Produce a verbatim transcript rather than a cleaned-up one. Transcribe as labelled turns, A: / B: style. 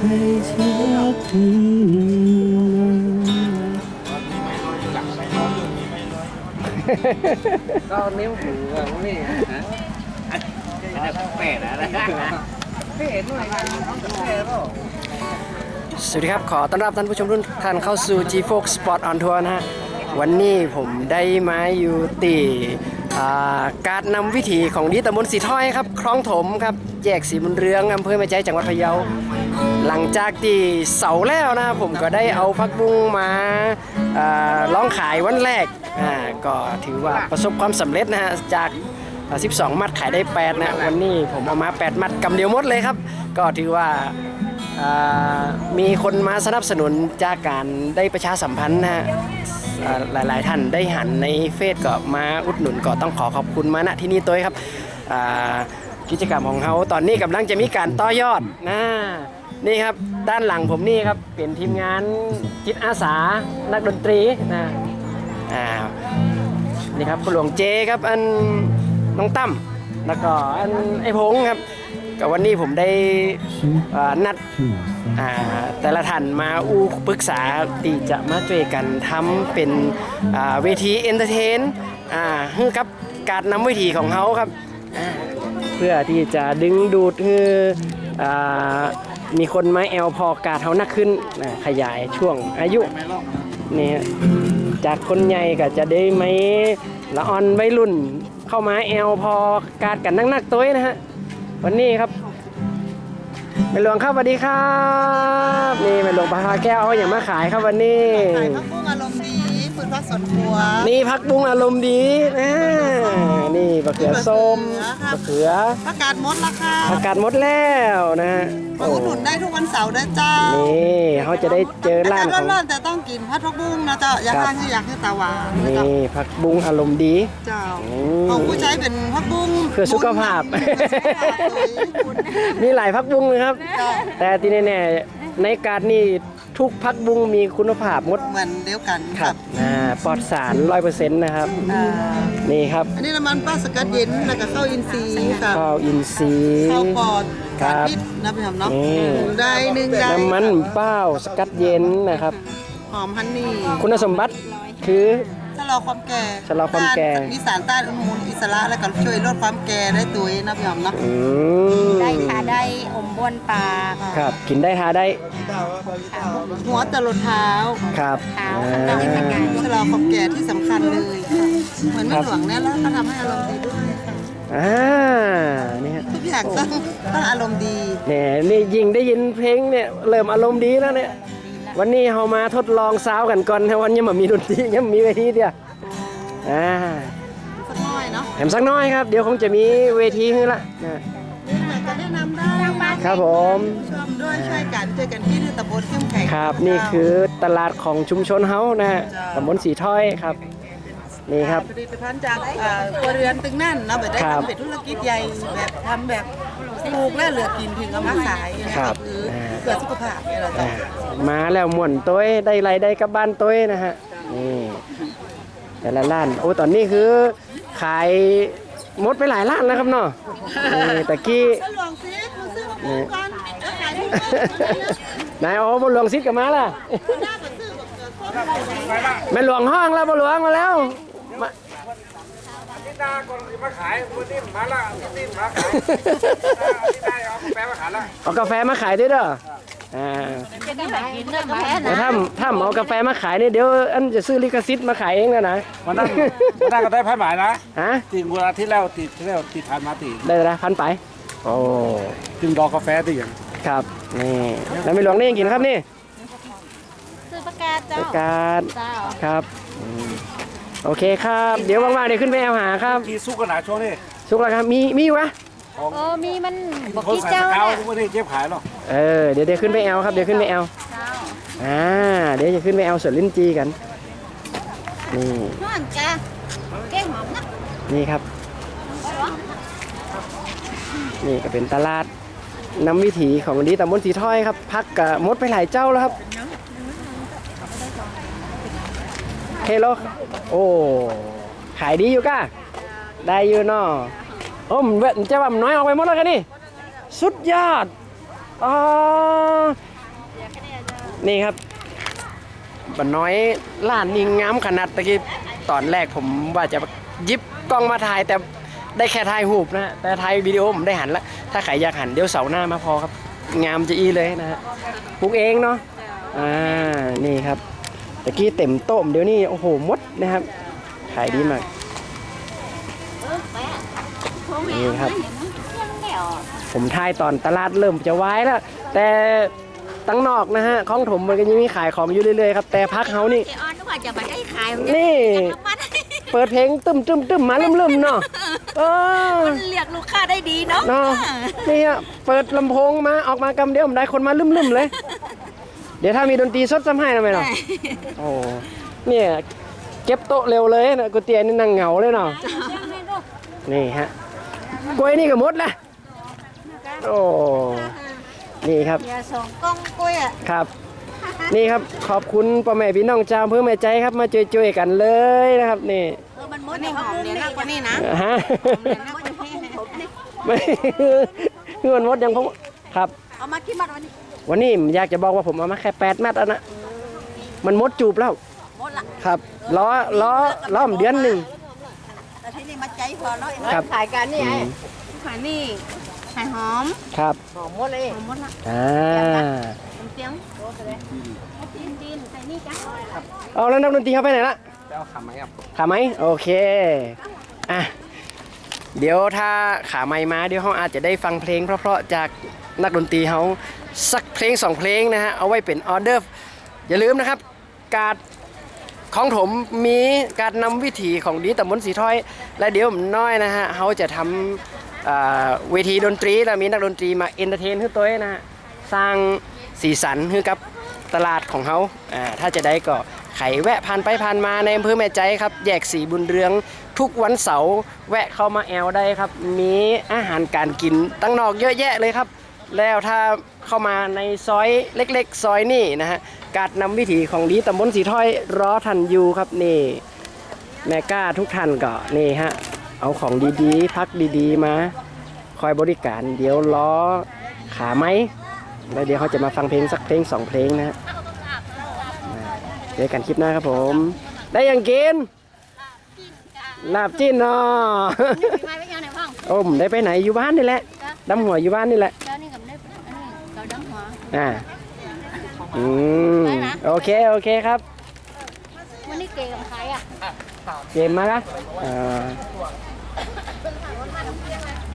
A: ก็นิ้วหูแบบนี้นะอันนี้แปดนะเป็ดหน่อยกันน้องจะแปดป่ะสวัสดีครับขอต้อนรับท่านผู้ชมทุกท่านเข้าสู่ จี โฟร์ Sport on Tour นะฮะวันนี้ผมได้มาอยู่ตีการนำวิถีของดีตำบลสีถ้อยครับคลองถมครับแยกสีบุญเรืองอำเภอแม่ใจจังหวัดพะเยาหลังจากที่เสาแล้วนะผมก็ได้เอาผักบุ้งมาร้องขายวันแรกก็ถือว่าประสบความสำเร็จนะฮะจากสิบสองมัดขายได้แปดนะวันนี้ผมเอามาแปดมัดกำเดียวหมดเลยครับก็ถือว่ามีคนมาสนับสนุนจากการได้ประชาสัมพันธ์นะฮะหลายๆท่านได้หันในเฟซก็มาอุดหนุนก็ต้องขอขอบคุณมาณที่นี่ตัวครับกิจกรรมของเขาตอนนี้กำลังจะมีการต่อยอดนะนี่ครับด้านหลังผมนี่ครับเป็นทีมงานจิตอาสานักดนตรีนะอ่านี่ครับคุณหลวงเจครับอันน้องตั้มแล้วก็อันไอ้พงครับกับวันนี้ผมได้นัดแต่ละท่านมาอู้ปรึกษาที่จะมาช่วยกันทำเป็นเวทีเอนเตอร์เทนให้กับการนำวิถีของเขาครับเพื่อที่จะดึงดูดให้มีคนมาแอลพอกาดเขานักขึ้นขยายช่วงอายุนี่จากคนใหญ่ก็จะได้ไม่ละอ่อนวัยรุ่นเข้ามาแอลพอกาดกันนักๆตัวนะฮะวันนี้ครับแม่หลวงครับสวัสดีครับนี่แม่หลวงปลาแก้วเอาอย่างมาขายครับวันนี้
B: ขายผักบุ้งอารมณ์ดีฝืนผักสวนครัว
A: นี่ผักบุ้งอารมณ์ดีนะนี่มะเขือส้มมะเขือ
B: ผักกาดมดราคา
A: ผักกาดมดแล้วนะ
B: มาอุดหนุนได้ทุกวันเสาร์นะเจ้า
A: นี่เขาจะได้เจอร้านของ
B: ร้อนๆแต่ต้องกินผักบุ้งนะเจ้าอยากทานคืออยากให้ตาหวาน
A: นี่ผักบุ้งอารมณ์ดี
B: เจ้าของผู้ใช้เป็นผักบุ้ง
A: เพื่อสุขภาพมีหลายผักบุ้งเลยครับแต่ที่แน่ๆในการนี่ทุกผักบุ้งมีคุณภาพหมด
B: เหมือนเดียวกัน
A: ครับปลอดสาร ร้อยเปอร์เซ็นต์ นะครับนี่ครับ
B: อันนี้น้ำมันปลาสกัดเย็นแล้วก็ข้าวอินทรีย์ค่ะ
A: ข้าวอินทรีย์
B: ข้าวปอดครับนะพี่ทำเนาะได้หนึ่งได้
A: น้ำมันเป้าสกัดเย็นนะครับ
B: หอมฮันนี่
A: คุณสมบัติคือ
B: ชะลอความแก่
A: ชะลอความแก่
B: มีสารต้านอนุมูลอิสระและก็ช่วยลดความแก่ได้ตัวนะพี่หอมเนาะ
C: ได้ทาได้อมบ้วนปลา
A: ครับกินได้ทาได้
B: หัวตลดเท้า
A: ครับ
C: เท้า
B: ชะลอความแก่ที่สำคัญเลยค่ะเหมือนแม่หลวงเนี่ยแล้วก็ทำให้อารมณ์ดีด้วยค่ะ
A: อ่านี่
B: ทุกอย่างต้องต้องอารมณ์ดี
A: เนี่ยนี่ยิ่งได้ยินเพลงเนี่ยเริ่มอารมณ์ดีแล้วเนี่ยวันนี้เรามาทดลองซาวกันก่อนวันนี้มันมีดนตรียังมีเวทีเดียวอ่า
B: สักน้อยเนาะ
A: แถมสักน้อยครับเดี๋ยวคงจะมีเวทีให้ละนะ
B: จะแนะนำได้
A: ครับผม
B: ชมด้วยช่วยกันช่วยกันที่ตำบลเข้มแข็ง
A: ครับนี่คือตลาดของชุมชนเฮานะฮะตำบลสีถ้อยครับนี่ครับ
B: ผลิตภัณฑ์จากครัวเรือนตึงนั่นเนาะแบบได้ทำเป็นธุรกิจใหญ่แบบทำแบบปลูกและเหลือกินถึงเอามาขาย
A: ครับ
B: เพื่อสุขภาพเนี่ยเราจะ
A: มาแล้วม่วนต้วยได้ไรได้กับบ้านต้วยนะฮะนี่แต่ละร้านโอ้ตอนนี้คือขายหมดไปหลายร้านแล้วครับเนาะนี่ตะกี้นายโอ้บนหลวงซิดกับมาล่ะแม่หลวงห้องแล้วบนหลวงมาแล้ว
D: ที่นาก่อนมาขายวันนี้มาละวันนี้มาขายที่ได้เอากาแฟมาขายละ
A: เอากาแฟมาขายด้วยเด้ออ่าถ้าถ้าเอากาแฟมาขายนี่เดี๋ยวอันจะซื้อลิขสิทธิ์มาขายเองแล้วนะ
D: วันนั้นวันนั้นก็ได้พันหมายนะ
A: ฮะ
D: ตีเวลาที่แล้วตีที่แล้วตีผ่านมาตี
A: ได้ละพันไปโอ้
D: จึงรอกาแฟตีอย่าง
A: ครับนี่แล้วไม่หลวงนี่ยังกินครับนี่
C: ซื้อประกาศเจ้า
A: ประกาศครับโอเคครับเดี๋ยวว่างๆเดี๋ยวขึ้นไปแอลหาครับ
D: ที่ซุกขนาดช่วงนี้
A: ซุกแล้วครับมีมีอยู่วะ
C: เออมีมันบอก
D: ที่เจ้าเนี่ยทุกวันนี้เจ็บขายหรอ
A: เออเดี๋ยวเดี๋ยวขึ้นไปแอลครับเดี๋ยวขึ้นไปแอลอ่าเดี๋ยวจะขึ้นไปแอลสวนลิ้นจีกันนี่นี่ครับนี่ก็เป็นตลาดน้ำวิถีของดีตำบลสีถ้อยครับพักกับมดไปหลายเจ้าแล้วครับเฮโลโอ้ขายดีอยู่ก้าได้อยู่เนาะโอ้มันจะแบบน้อยออกไปหมดแล้วกันนี่สุดยอดอ๋อนี่ครับบันน้อยล้านนี่งามขนาดตะกี้ตอนแรกผมว่าจะหยิบกล้องมาถ่ายแต่ได้แค่ถ่ายรูปนะแต่ถ่ายวิดีโอผมได้หันละถ้าใครอยากหันเดี๋ยวเสาร์หน้ามาพอครับงามจะอีเลยนะฮะปลูกเองเนาะอ่านี่ครับตะกี้เต็มโต๊ะเดี๋ยวนี้โอ้โหมดนะครับขายดีมากนี่ครับผมถ่ายตอนตลาดเริ่มจะวายแล้วแต่ตั้งนอกนะฮะของถมมันก็ยังมีขายของอยู่เรื่อยๆครับแต่พักเฮานี่
C: ไอออนนึกว่าจะมาได้ขาย
A: นี่ เปิดเพลงตึมตึมตึมมาลืมลืมเนาะเออ
C: มันเรียกลูกค้าได้ดีเนาะ
A: เนาะนี่ฮะเปิดลำโพงมาออกมากำเดียวผมได้คนมาลืมลืมเลย เดี๋ยวถ้ามีดนตรีสดซ้ำให้ทำไมเนาะโอ้เนี่ยเก็บโต๊ะเร็วเลยนะกูเตียนี่นั่งเหงาเลยเนาะนี่ฮะกล้วยนี่ก็หมดละโอ้นี่ครับ
C: อย่าส่งกล้องกล้วยอ่ะ
A: ครับ นี่ครับขอบคุณพ่อแม่พี่น้องชาวอำเพื่อแม่ใจครับมาช่วยๆกันเลยนะครับนี่
C: เออมันม
B: วั
C: ด
B: น
C: ใน
B: นี้ห
C: ห้อ
B: อง ม
C: เนี่
B: เนี่ย ย
C: นะ
B: นักกว่านี้นะ
A: ฮะ
B: เนี่ยนักกว่านี้
A: ไม่คือมันมดยังพงครับ
C: เอามากี่มัดวันนี้
A: วันนี้ผมอยากจะบอกว่าผมเอามาแค่แปดมัดแล้วนะมันมดจูบแล้ว
C: หมดละ
A: ครับล้อล้อล้อมเดือนหนึ่ง
C: แต่ที่นี่มาใจพอเนาะ
A: ครับ
C: ขายกันนี่ไง
B: ขายนี่ขายหอม
A: ครับ
C: หอมหมดเลย
B: หอมหมดละ
A: อ่า
C: เสียงโอ้เลยจีนจีนใส่นี่จ้ะ
A: เอาแล้วนักดนตรีเขาไปไหนละ
D: จะเอาขาไหมครับ
A: ขาไหมโอเคอ่ะเดี๋ยวถ้าขาไม้มาเดี๋ยวเขาอาจจะได้ฟังเพลงเพราะๆจากนักดนตรีเขาสักเพลงสองเพลงนะฮะเอาไว้เป็นออเดอร์อย่าลืมนะครับการของผมมีการนำวิถีของดีตำบลสีถ้อย และเดี๋ยวผมน้อยนะฮะเขาจะทำอ่าเวทีดนตรีแล้วมีนักดนตรีมาเอนเตอร์เทนให้ตัวเองนะฮะสร้างสีสันให้กับตลาดของเขาอ่าถ้าจะได้ก็ไขแวะผ่านไปผ่านมาในอำเภอแม่ใจครับแยกสีบุญเรืองทุกวันเสาร์แวะเข้ามาแอลได้ครับมีอาหารการกินตั้งนอกเยอะแยะเลยครับแล้วถ้าเข้ามาในซอยเล็กๆ ซอยนี่นะฮะการนำวิถีของดีตำบลสีถ้อยรอทันอยู่ครับนี่แม่ก้าทุกท่านก็นี่ฮะเอาของดีๆ พักดีๆมาคอยบริการเดี๋ยวล้อขาไหมแล้วเดี๋ยวเขาจะมาฟังเพลงสักเพลงสองเพลงนะฮะเจอกันคลิปหน้าครับผม ได้ยังกินลาบจิ้นเนาะ
C: มาไปยังไหนบ้าง
A: โอ้มได้ไปไหนอยู่บ้านนี่แหละดำหัวอยู่บ้านนี่แหละ
C: เจ้านี่กับได้อันนี้เราดังหัว
A: อ่าอืมโอเคโอเคครับ
C: วันนี้เก๋กับใครอ่ะ
A: เกมมาละอ่า